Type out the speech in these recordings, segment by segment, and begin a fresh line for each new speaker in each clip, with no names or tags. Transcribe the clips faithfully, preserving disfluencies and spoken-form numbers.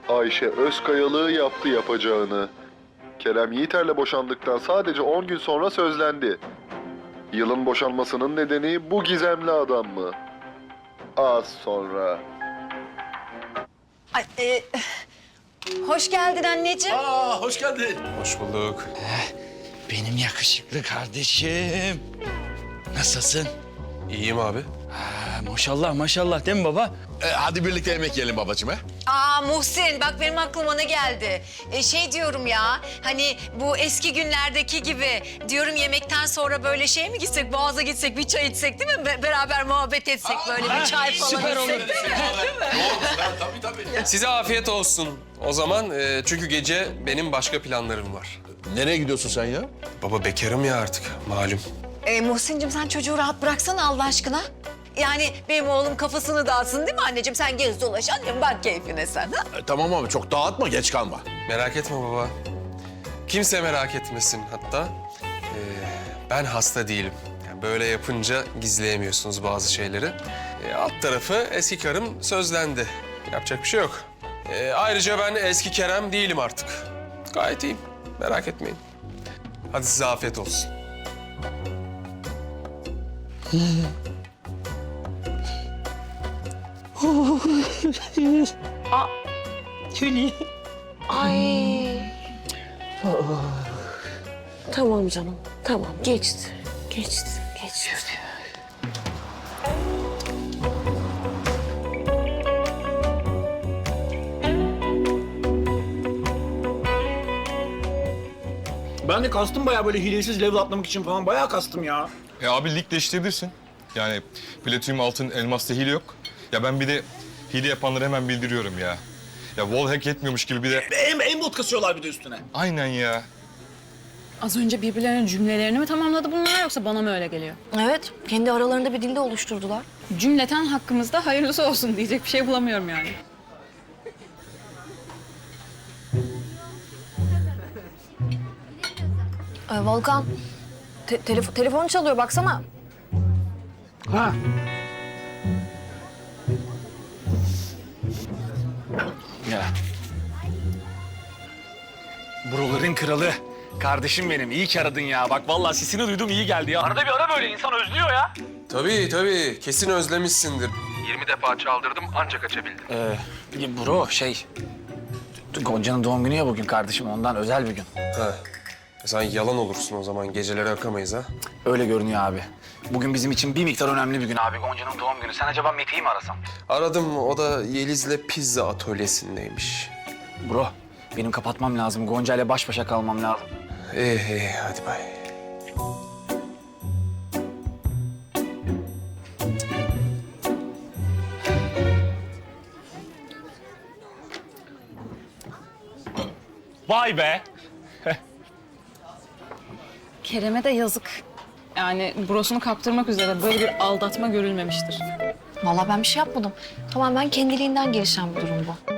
Ayşe Özkayalığı yaptı yapacağını. Kerem Yiğiter'le boşandıktan sadece on gün sonra sözlendi. Yılın boşanmasının nedeni bu gizemli adam mı? Az sonra.
Ay, e, hoş geldin anneciğim.
Aa, hoş geldin.
Hoş bulduk.
Benim yakışıklı kardeşim. Nasılsın?
İyiyim abi.
Ha, maşallah maşallah değil mi baba?
Ee, hadi birlikte yemek yiyelim babacığım ha?
Aa Muhsin, bak benim aklıma ne geldi? E, şey diyorum ya, hani bu eski günlerdeki gibi diyorum, yemekten sonra böyle şey mi gitsek, Boğaz'a gitsek, bir çay içsek değil mi? Be- beraber muhabbet etsek, böyle bir çay falan
süper olur.
içsek değil mi?
Tabii tabii.
Size afiyet olsun o zaman. e, çünkü gece benim başka planlarım var.
Nereye gidiyorsun sen ya?
Baba bekarım ya artık malum.
E, Muhsin'cim sen çocuğu rahat bıraksana Allah aşkına. Yani benim oğlum kafasını dağıtsın değil mi anneciğim? Sen gez dolaş annem, bak keyfine sen ha?
Ee, tamam ama çok dağıtma, geç kalma.
Merak etme baba. Kimse merak etmesin hatta. e, ben hasta değilim. Yani böyle yapınca gizleyemiyorsunuz bazı şeyleri. E, alt tarafı eski karım sözlendi. Yapacak bir şey yok. E, ayrıca ben eski Kerem değilim artık. Gayet iyiyim. Merak etmeyin. Hadi size afiyet olsun.
Ay. Tamam canım, tamam. Geçti, geçti, geçti.
Ben de kastım bayağı böyle hilesiz level atlamak için falan bayağı kastım ya.
E abi lig değiştirebilirsin. Yani platinum, altın, elmasta hile yok. Ya ben bir de hile yapanları hemen bildiriyorum ya. Ya wall hack etmiyormuş gibi bir de...
En, en bot kasıyorlar bir de üstüne.
Aynen ya.
Az önce birbirlerinin cümlelerini mi tamamladı bunlar yoksa bana mı öyle geliyor?
Evet, kendi aralarında bir dilde oluşturdular.
Cümleten hakkımızda hayırlısı olsun diyecek bir şey bulamıyorum yani.
Ee, Volkan, te- telefon telefon çalıyor baksana.
Ha. Ya. Buraların kralı. Kardeşim benim, iyi ki aradın ya. Bak vallahi sesini duydum, iyi geldi ya. Arada bir ara böyle, insan özlüyor ya.
Tabii tabii. Kesin özlemişsindir. yirmi defa çaldırdım ancak açabildim.
Ee, bro, şey... Gonca'nın doğum günü ya bugün kardeşim, ondan özel bir gün.
Ha. Sen yalan olursun o zaman. Geceleri akamayız ha.
Öyle görünüyor abi. Bugün bizim için bir miktar önemli bir gün abi. Gonca'nın doğum günü. Sen acaba Mete'yi mi arasan?
Aradım. O da Yeliz'le pizza atölyesindeymiş.
Bro, benim kapatmam lazım. Gonca ile baş başa kalmam lazım.
İyi iyi. Hadi bay.
Vay be!
Kerem'e de yazık. Yani burasını kaptırmak üzere böyle bir aldatma görülmemiştir.
Vallahi ben bir şey yapmadım. Tamamen kendiliğinden gelişen bir durum bu.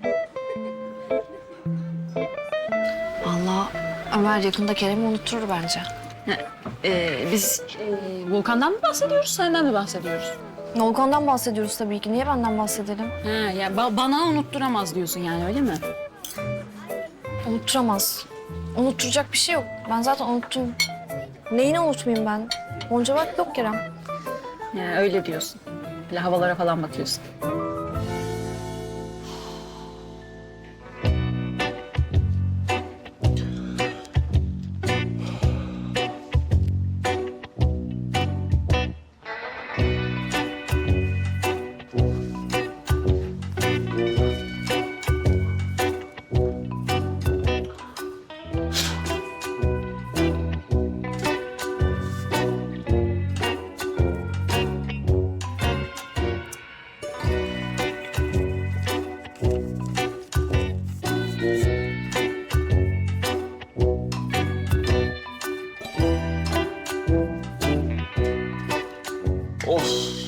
Vallahi Ömer yakında Kerem'i unutturur bence.
Ee, biz e, Volkan'dan mı bahsediyoruz, senden mi bahsediyoruz?
Volkan'dan bahsediyoruz tabii ki. Niye benden bahsedelim?
Ha, ya ba- bana unutturamaz diyorsun yani, öyle mi?
Unutturamaz. Unutturacak bir şey yok. Ben zaten unuttum. Neyini unutmayayım ben? Gonca bak yok Kerem.
Yani öyle diyorsun. Böyle havalara falan bakıyorsun.
Of.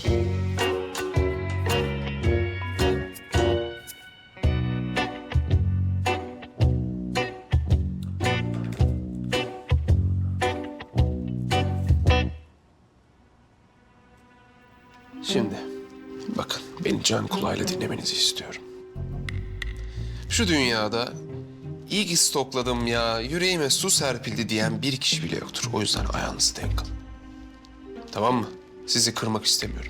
Şimdi bakın beni can kulağıyla dinlemenizi istiyorum. Şu dünyada iyi ki stokladım ya, yüreğime su serpildi diyen bir kişi bile yoktur. O yüzden ayağınızı denk alın. Tamam mı? Sizi kırmak istemiyorum.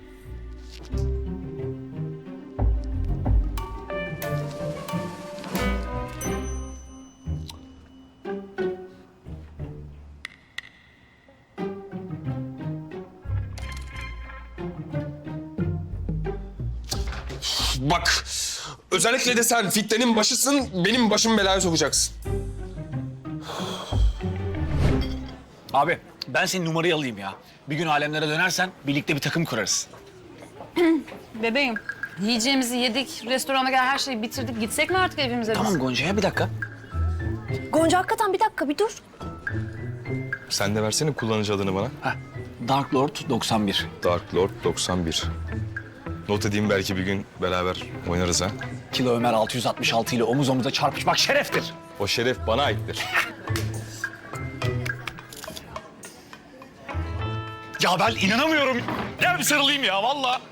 Bak, özellikle de sen fitnenin başısın, benim başımı belaya sokacaksın.
Abi ben senin numarayı alayım ya. Bir gün alemlere dönersen birlikte bir takım kurarız.
Bebeğim, yiyeceğimizi yedik, restorana gel her şeyi bitirdik. Gitsek mi artık evimize biz?
Tamam Gonca'ya bir dakika.
Gonca hakikaten bir dakika bir dur.
Sen de versene kullanıcı adını bana.
Heh, Dark Lord doksan bir.
Dark Lord doksan bir. Not edeyim, belki bir gün beraber oynarız ha.
Kilo Ömer altı yüz altmış altı ile omuz omuza çarpışmak şereftir.
O şeref bana aittir.
Ya ben inanamıyorum. Gel bir sarılayım ya vallahi.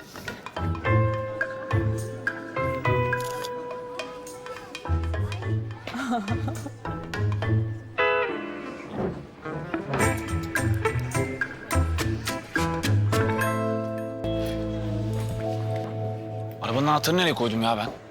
Arabanın anahtarını nereye koydum ya ben?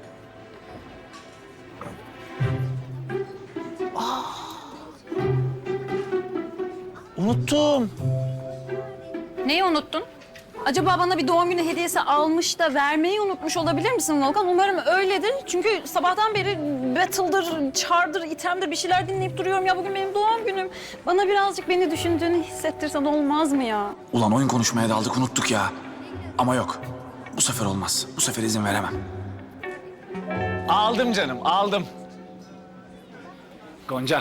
Unuttum.
Neyi unuttun? Acaba bana bir doğum günü hediyesi almış da vermeyi unutmuş olabilir misin Volkan? Umarım öyledir. Çünkü sabahtan beri battle'dır, çardır, itemdir bir şeyler dinleyip duruyorum. Ya bugün benim doğum günüm. Bana birazcık beni düşündüğünü hissettirsen olmaz mı ya?
Ulan oyun konuşmaya daldık unuttuk ya. Ama yok. Bu sefer olmaz. Bu sefer izin veremem.
Aldım canım, aldım. Gonca.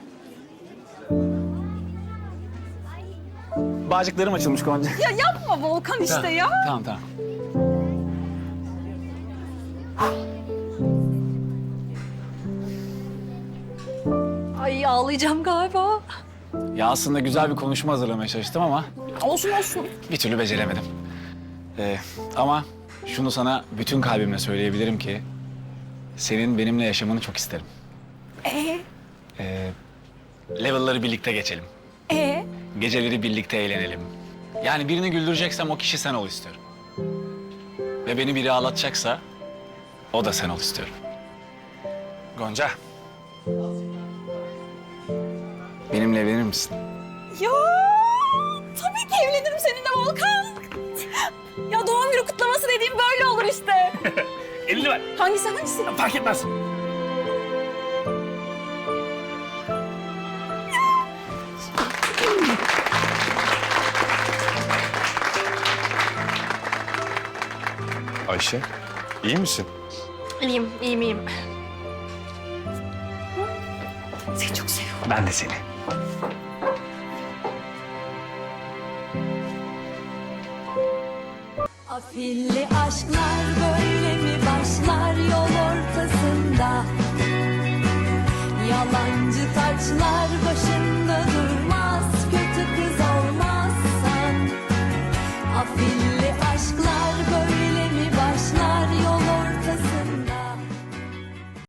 Bağcıklarım açılmış Gonca.
Ya yapma Volkan işte ya.
Tamam, tamam.
Ay ağlayacağım galiba.
Ya aslında güzel bir konuşma hazırlamaya çalıştım ama
Olsun olsun.
bir türlü beceremedim. Ee, ama şunu sana bütün kalbimle söyleyebilirim ki senin benimle yaşamanı çok isterim.
Ee?
Ee, level'ları birlikte geçelim.
Ee?
Geceleri birlikte eğlenelim. Yani birini güldüreceksem o kişi sen ol istiyorum. Ve beni biri ağlatacaksa o da sen ol istiyorum. Gonca. Benimle evlenir misin?
Ya tabii ki evlenirim seninle Volkan. Ya doğum günü kutlaması dediğim böyle olur işte.
Elini ver.
Hangisi hangisi?
Fark etmez.
Ayşe, iyi misin?
İyiyim, iyiyim, iyiyim. Seni çok seviyorum.
Ben de seni.
Afilli aşklar böyle mi başlar yol ortasında? Yalancı taçlar